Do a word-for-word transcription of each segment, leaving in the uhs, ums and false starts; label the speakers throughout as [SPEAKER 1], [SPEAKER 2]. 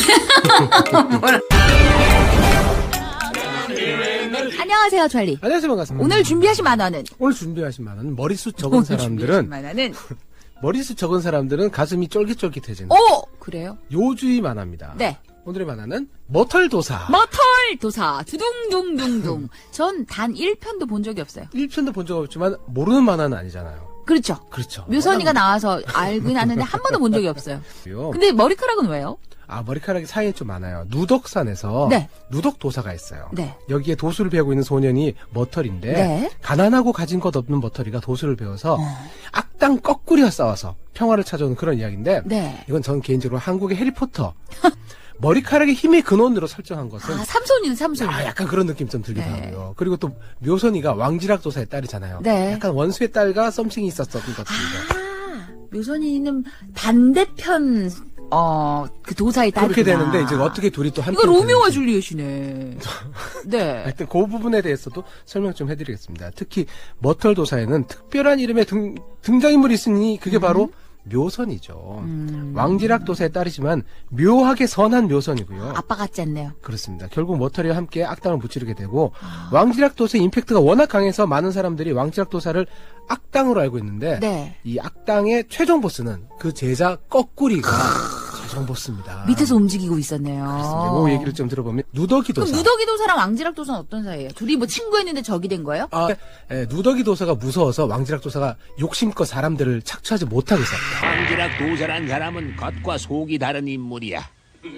[SPEAKER 1] 안녕하세요, 찰리.
[SPEAKER 2] 안녕하세요, 반갑습니다.
[SPEAKER 1] 오늘 준비하신 만화는?
[SPEAKER 2] 오늘 준비하신 만화는 머리숱 적은 사람들은
[SPEAKER 1] 만화는?
[SPEAKER 2] 머리숱 적은 사람들은 가슴이 쫄깃쫄깃해지는
[SPEAKER 1] 오! 그래요?
[SPEAKER 2] 요주의 만화입니다.
[SPEAKER 1] 네.
[SPEAKER 2] 오늘의 만화는 머털도사.
[SPEAKER 1] 머털도사. 두둥둥둥둥. 전 단 일 편도 본 적이 없어요.
[SPEAKER 2] 일 편도 본 적 없지만 모르는 만화는 아니잖아요.
[SPEAKER 1] 그렇죠.
[SPEAKER 2] 그렇죠.
[SPEAKER 1] 묘선이가 나와서 알긴 아는데 한 번도 본 적이 없어요. 근데 머리카락은 왜요?
[SPEAKER 2] 아, 머리카락이 사이에 좀 많아요. 누덕산에서
[SPEAKER 1] 네.
[SPEAKER 2] 누덕도사가 있어요.
[SPEAKER 1] 네.
[SPEAKER 2] 여기에 도수를 배우고 있는 소년이 머털인데
[SPEAKER 1] 네.
[SPEAKER 2] 가난하고 가진 것 없는 머털이가 도수를 배워서
[SPEAKER 1] 어.
[SPEAKER 2] 악당 거꾸리와 싸워서 평화를 찾아오는 그런 이야기인데
[SPEAKER 1] 네.
[SPEAKER 2] 이건 저는 개인적으로 한국의 해리포터 머리카락의 힘의 근원으로 설정한 것은
[SPEAKER 1] 아, 삼손이네, 삼손.
[SPEAKER 2] 아, 약간 그런 느낌 좀 들기도
[SPEAKER 1] 네.
[SPEAKER 2] 하고요. 그리고 또 묘선이가 왕지락 도사의 딸이잖아요.
[SPEAKER 1] 네.
[SPEAKER 2] 약간 원수의 딸과 썸씽이 있었던 것 같습니다.
[SPEAKER 1] 아, 묘선이는 반대편, 어, 그 도사의 딸이구나.
[SPEAKER 2] 그렇게 되는데 이제 어떻게 둘이 또 함께
[SPEAKER 1] 이거 로미오와
[SPEAKER 2] 되는지.
[SPEAKER 1] 줄리엣이네. 네.
[SPEAKER 2] 하여튼 그 부분에 대해서도 설명 좀 해드리겠습니다. 특히 머털 도사에는 특별한 이름의 등, 등장인물이 있으니 그게 바로 묘선이죠.
[SPEAKER 1] 음.
[SPEAKER 2] 왕지락 도사의 딸이지만 묘하게 선한 묘선이고요.
[SPEAKER 1] 아빠 같지 않네요.
[SPEAKER 2] 그렇습니다. 결국 머털이와 함께 악당을 무찌르게 되고 왕지락 도사의 임팩트가 워낙 강해서 많은 사람들이 왕지락 도사를 악당으로 알고 있는데
[SPEAKER 1] 네.
[SPEAKER 2] 이 악당의 최종 보스는 그 제자 거꾸리가 최종 보스입니다.
[SPEAKER 1] 밑에서 움직이고 있었네요.
[SPEAKER 2] 그렇습니다. 그 얘기를 좀 들어보면 누더기
[SPEAKER 1] 그럼
[SPEAKER 2] 도사.
[SPEAKER 1] 누더기 도사랑 왕지락 도사는 어떤 사이예요? 둘이 뭐 친구였는데 적이 된 거예요?
[SPEAKER 2] 아, 예, 누더기 도사가 무서워서 왕지락 도사가 욕심껏 사람들을 착취하지 못하게 했습니다.
[SPEAKER 3] 왕지락 도사란 사람은 겉과 속이 다른 인물이야.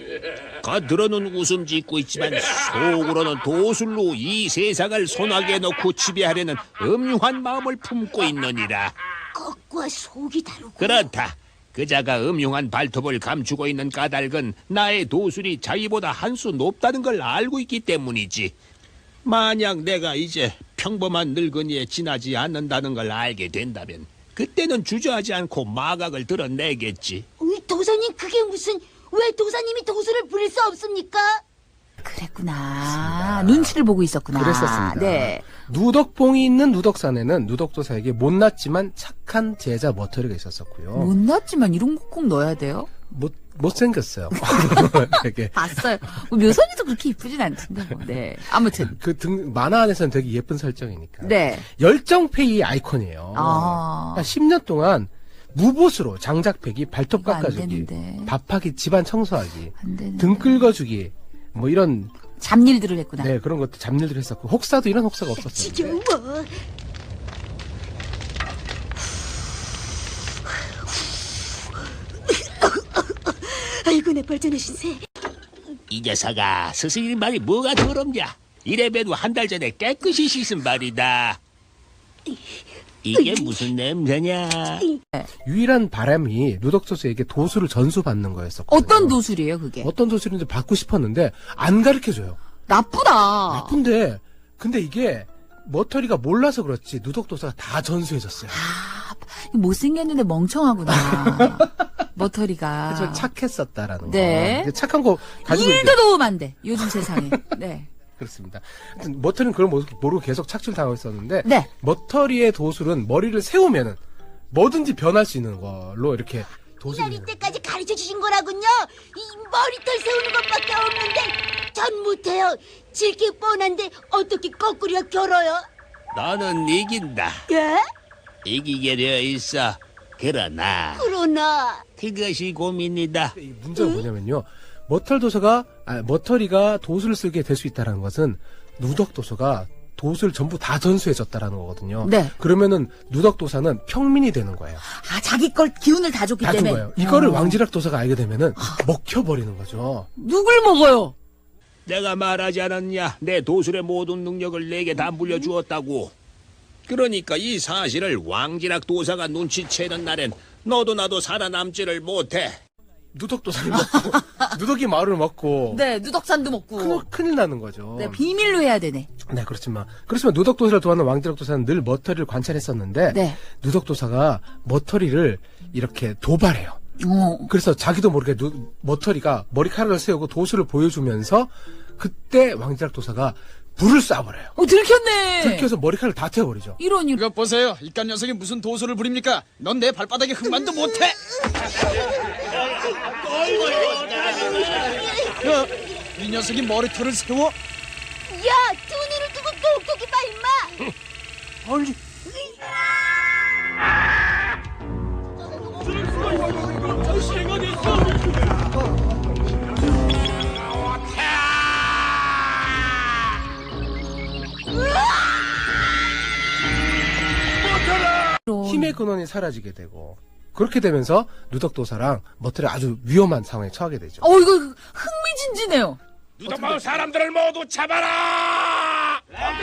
[SPEAKER 3] 겉으로는 웃음 짓고 있지만 속으로는 도술로 이 세상을 손아귀에 넣고 지배하려는 음흉한 마음을 품고 있느니라.
[SPEAKER 4] 겉과 속이 다르고.
[SPEAKER 3] 그렇다. 그자가 음흉한 발톱을 감추고 있는 까닭은 나의 도술이 자기보다 한 수 높다는 걸 알고 있기 때문이지. 만약 내가 이제 평범한 늙은이에 지나지 않는다는 걸 알게 된다면 그때는 주저하지 않고 마각을 드러내겠지.
[SPEAKER 4] 우리 도사님 그게 무슨 왜 도사님이 도수를 부릴 수 없습니까?
[SPEAKER 1] 그랬구나. 눈치를 보고 있었구나.
[SPEAKER 2] 그랬었습니다.
[SPEAKER 1] 네.
[SPEAKER 2] 누덕봉이 있는 누덕산에는 누덕도사에게 못났지만 착한 제자 머터리가 있었었고요.
[SPEAKER 1] 못났지만 이런 거 꼭 넣어야 돼요?
[SPEAKER 2] 못, 못생겼어요. 되게.
[SPEAKER 1] 봤어요. 뭐 묘선이도 그렇게 이쁘진 않던데 뭐. 네. 아무튼.
[SPEAKER 2] 그 등, 만화 안에서는 되게 예쁜 설정이니까.
[SPEAKER 1] 네.
[SPEAKER 2] 열정페이의 아이콘이에요.
[SPEAKER 1] 아.
[SPEAKER 2] 그러니까 십 년 동안 무보수로 장작 패기, 발톱
[SPEAKER 1] 이거 안
[SPEAKER 2] 깎아주기,
[SPEAKER 1] 되는데.
[SPEAKER 2] 밥하기, 집안 청소하기,
[SPEAKER 1] 안 되는데.
[SPEAKER 2] 등 긁어주기, 뭐 이런,
[SPEAKER 1] 잡일들을 했구나.
[SPEAKER 2] 네, 그런 것도 잡일들 했었고, 혹사도 이런 혹사가 없었어요.
[SPEAKER 4] 지겨워. 아이고 내 발전의 신세.
[SPEAKER 3] 이 녀석아, 스승님 말이 뭐가 더럽냐? 이래봬도 한 달 전에 깨끗이 씻은 말이다. 이게 무슨 냄새냐?
[SPEAKER 2] 유일한 바람이 누덕도사에게 도수를 전수받는 거였었고.
[SPEAKER 1] 어떤 도술이에요, 그게?
[SPEAKER 2] 어떤 도수인지 받고 싶었는데, 안 가르쳐줘요.
[SPEAKER 1] 나쁘다.
[SPEAKER 2] 나쁜데, 근데 이게, 머터리가 몰라서 그렇지, 누덕도사가 다 전수해줬어요.
[SPEAKER 1] 아, 못생겼는데 멍청하구나. 머터리가.
[SPEAKER 2] 그래서 착했었다라는
[SPEAKER 1] 네.
[SPEAKER 2] 거. 착한 거 가지고
[SPEAKER 1] 일도 도움 안 돼. 요즘 세상에. 네.
[SPEAKER 2] 그렇습니다. 하여튼 머터리는 그걸 모르고 계속 착취를 당하고 있었는데
[SPEAKER 1] 네.
[SPEAKER 2] 머터리의 도술은 머리를 세우면은 뭐든지 변할 수 있는 걸로 이렇게 도술이
[SPEAKER 4] 이날 이때까지 가르쳐 주신 거라군요. 이 머리털 세우는 것밖에 없는데 전 못해요. 질게 뻔한데 어떻게 거꾸리가 결어요?
[SPEAKER 3] 너는 이긴다.
[SPEAKER 4] 예?
[SPEAKER 3] 이기게 되어 있어. 그러나
[SPEAKER 4] 그러나
[SPEAKER 3] 그것이 고민이다.
[SPEAKER 2] 이 문제가 뭐냐면요. 머털 도서가 아, 머터리가 도술을 쓰게 될 수 있다는 것은 누덕 도서가 도술 전부 다 전수해줬다라는 거거든요.
[SPEAKER 1] 네.
[SPEAKER 2] 그러면은 누덕 도사는 평민이 되는 거예요.
[SPEAKER 1] 아, 자기 걸 기운을 다 줬기
[SPEAKER 2] 다 준
[SPEAKER 1] 때문에.
[SPEAKER 2] 거예요. 이거를
[SPEAKER 1] 어.
[SPEAKER 2] 왕지락 도사가 알게 되면은 먹혀버리는 거죠.
[SPEAKER 1] 누굴 먹어요?
[SPEAKER 3] 내가 말하지 않았냐? 내 도술의 모든 능력을 내게 다 물려주었다고. 그러니까 이 사실을 왕지락 도사가 눈치채는 날엔 너도 나도 살아남지를 못해.
[SPEAKER 2] 누덕 도사를 먹고 누덕이 마을을 먹고
[SPEAKER 1] 네, 누덕산도 먹고.
[SPEAKER 2] 큰일, 큰일 나는 거죠.
[SPEAKER 1] 네, 비밀로 해야 되네.
[SPEAKER 2] 네, 그렇지만 그렇지만 누덕 도사를 도와는 왕지락 도사는 늘 머터리를 관찰했었는데
[SPEAKER 1] 네.
[SPEAKER 2] 누덕 도사가 머터리를 이렇게 도발해요.
[SPEAKER 1] 어.
[SPEAKER 2] 그래서 자기도 모르게 누, 머터리가 머리카락을 세우고 도수를 보여주면서 그때 왕지락 도사가 불을 쏴버려요.
[SPEAKER 1] 어, 들켰네.
[SPEAKER 2] 들켜서 머리카락을 다 태워버리죠.
[SPEAKER 1] 이런, 이런.
[SPEAKER 5] 이것 보세요. 이깟 녀석이 무슨 도수를 부립니까? 넌 내 발바닥에 흠만도 못해. 야, 이 녀석이 머리털을 세워?
[SPEAKER 4] 야, 두 눈을 두고 똑똑히 봐, 임마.
[SPEAKER 2] 아니, 힘의 근원이 사라지게 되고 그렇게 되면서 누덕도사랑 머털이 아주 위험한 상황에 처하게 되죠.
[SPEAKER 1] 어, 이거 흥미진진해요.
[SPEAKER 3] 누더마을 사람들을 모두 잡아라!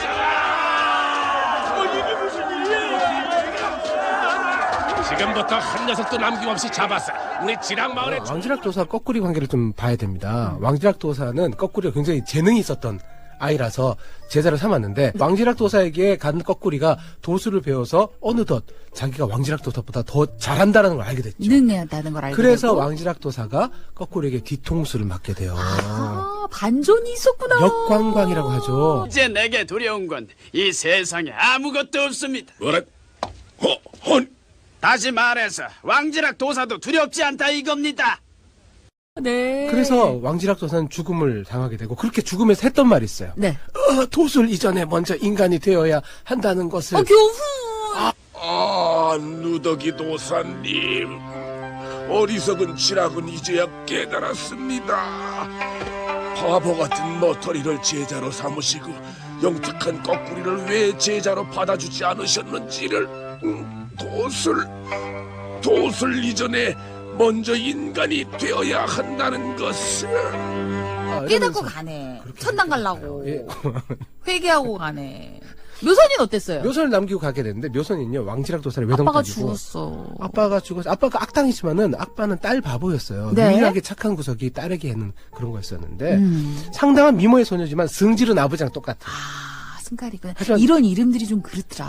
[SPEAKER 3] 지금부터 한 녀석도 남김없이 잡았어. 우리 지랑마을에
[SPEAKER 2] 어, 왕지락도사 거꾸리 관계를 좀 봐야 됩니다. 왕지락도사는 거꾸리가 굉장히 재능이 있었던 아이라서 제자를 삼았는데 왕지락도사에게 간 거꾸리가 도수를 배워서 어느덧 자기가 왕지락도사보다 더 잘한다는 걸 알게 됐죠.
[SPEAKER 1] 능해하다는 걸 알게
[SPEAKER 2] 그래서
[SPEAKER 1] 되고.
[SPEAKER 2] 왕지락도사가 거꾸리에게 뒤통수를 맞게 돼요.
[SPEAKER 1] 아, 반전이 있었구나.
[SPEAKER 2] 역광광이라고 하죠.
[SPEAKER 5] 이제 내게 두려운 건 이 세상에 아무것도 없습니다.
[SPEAKER 3] 뭐라? 허, 헌!
[SPEAKER 5] 다시 말해서 왕지락 도사도 두렵지 않다 이겁니다.
[SPEAKER 1] 네.
[SPEAKER 2] 그래서 왕지락도사는 죽음을 당하게 되고 그렇게 죽음에서 했던 말이 있어요.
[SPEAKER 1] 네.
[SPEAKER 2] 어, 도술 이전에 먼저 인간이 되어야 한다는 것을.
[SPEAKER 1] 어, 교훈.
[SPEAKER 3] 아, 누더기 도사님. 어리석은 지락은 이제야 깨달았습니다. 바보 같은 머터리를 제자로 삼으시고 영특한 거꾸리를 왜 제자로 받아주지 않으셨는지를. 음, 도술, 도술 이전에 먼저 인간이 되어야 한다는 것을.
[SPEAKER 2] 아,
[SPEAKER 1] 깨닫고
[SPEAKER 2] 이러면서
[SPEAKER 1] 가네.
[SPEAKER 2] 그렇게
[SPEAKER 1] 천당 갈라고.
[SPEAKER 2] 예.
[SPEAKER 1] 회개하고 가네. 묘선이는 어땠어요?
[SPEAKER 2] 묘선을 남기고 가게 되는데 묘선은요 왕지락도사를
[SPEAKER 1] 아빠가
[SPEAKER 2] 외동딸이고
[SPEAKER 1] 죽었어.
[SPEAKER 2] 아빠가 죽어서 아빠가 악당이지만은 아빠는 딸 바보였어요.
[SPEAKER 1] 네.
[SPEAKER 2] 유일하게 착한 구석이 딸에게 하는 그런 거였었는데
[SPEAKER 1] 음.
[SPEAKER 2] 상당한 미모의 소녀지만 승질은 아버지랑 똑같아.
[SPEAKER 1] 아, 승깔이구나.
[SPEAKER 2] 하지만-
[SPEAKER 1] 이런 이름들이 좀 그렇더라.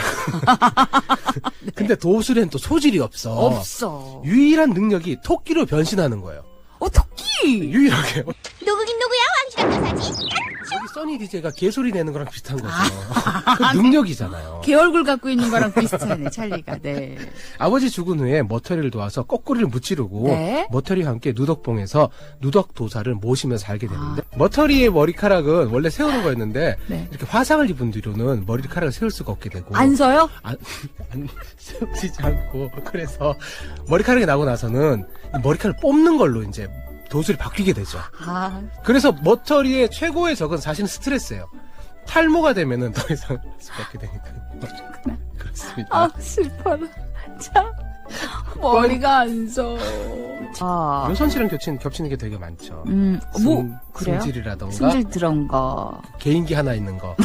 [SPEAKER 2] 근데 도술엔 또 소질이 없어.
[SPEAKER 1] 없어.
[SPEAKER 2] 유일한 능력이 토끼로 변신하는 거예요.
[SPEAKER 1] 어, 토끼!
[SPEAKER 2] 유일하게.
[SPEAKER 4] 누구긴 누구야, 왕지락 도사지?
[SPEAKER 2] 여기 써니 디제이가 개소리 내는 거랑 비슷한 거죠.
[SPEAKER 1] 아.
[SPEAKER 2] 그 능력이잖아요.
[SPEAKER 1] 개 얼굴 갖고 있는 거랑 비슷하네, 찰리가. 네.
[SPEAKER 2] 아버지 죽은 후에 머터리를 도와서 거꾸리를 무찌르고
[SPEAKER 1] 네.
[SPEAKER 2] 머터리와 함께 누덕봉에서 누덕도사를 모시면서 살게 되는데 머터리의 머리카락은 원래 세우는 거였는데
[SPEAKER 1] 네.
[SPEAKER 2] 이렇게 화상을 입은 뒤로는 머리카락을 세울 수가 없게 되고
[SPEAKER 1] 안 서요?
[SPEAKER 2] 안, 안 세워지지 않고 그래서 머리카락이 나고 나서는 이 머리카락을 뽑는 걸로 이제 도술이 바뀌게 되죠.
[SPEAKER 1] 아,
[SPEAKER 2] 그래서 머터리의 최고의 적은 사실은 스트레스예요. 탈모가 되면은 더 이상 할 수가 없게 되니까. 그렇습니다.
[SPEAKER 1] 아, 슬퍼라. 참. 머리가 안 서. 아.
[SPEAKER 2] 묘선 씨랑 겹치는, 겹치는 게 되게 많죠.
[SPEAKER 1] 음, 뭐,
[SPEAKER 2] 승-
[SPEAKER 1] 그래요?
[SPEAKER 2] 승질이라던가
[SPEAKER 1] 승질 들은 거.
[SPEAKER 2] 개인기 하나 있는 거.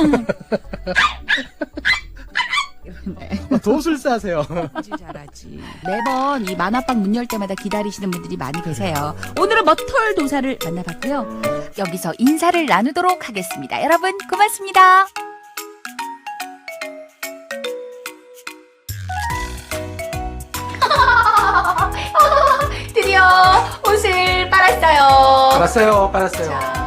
[SPEAKER 1] 네.
[SPEAKER 2] 도술사세요.
[SPEAKER 1] 승질 잘하지. 매번 이 만화방 문 열 때마다 기다리시는 분들이 많이 계세요. 오늘은 머털 도사를 만나봤고요. 여기서 인사를 나누도록 하겠습니다. 여러분, 고맙습니다. 드디어 옷을 빨았어요.
[SPEAKER 2] 빨았어요, 빨았어요.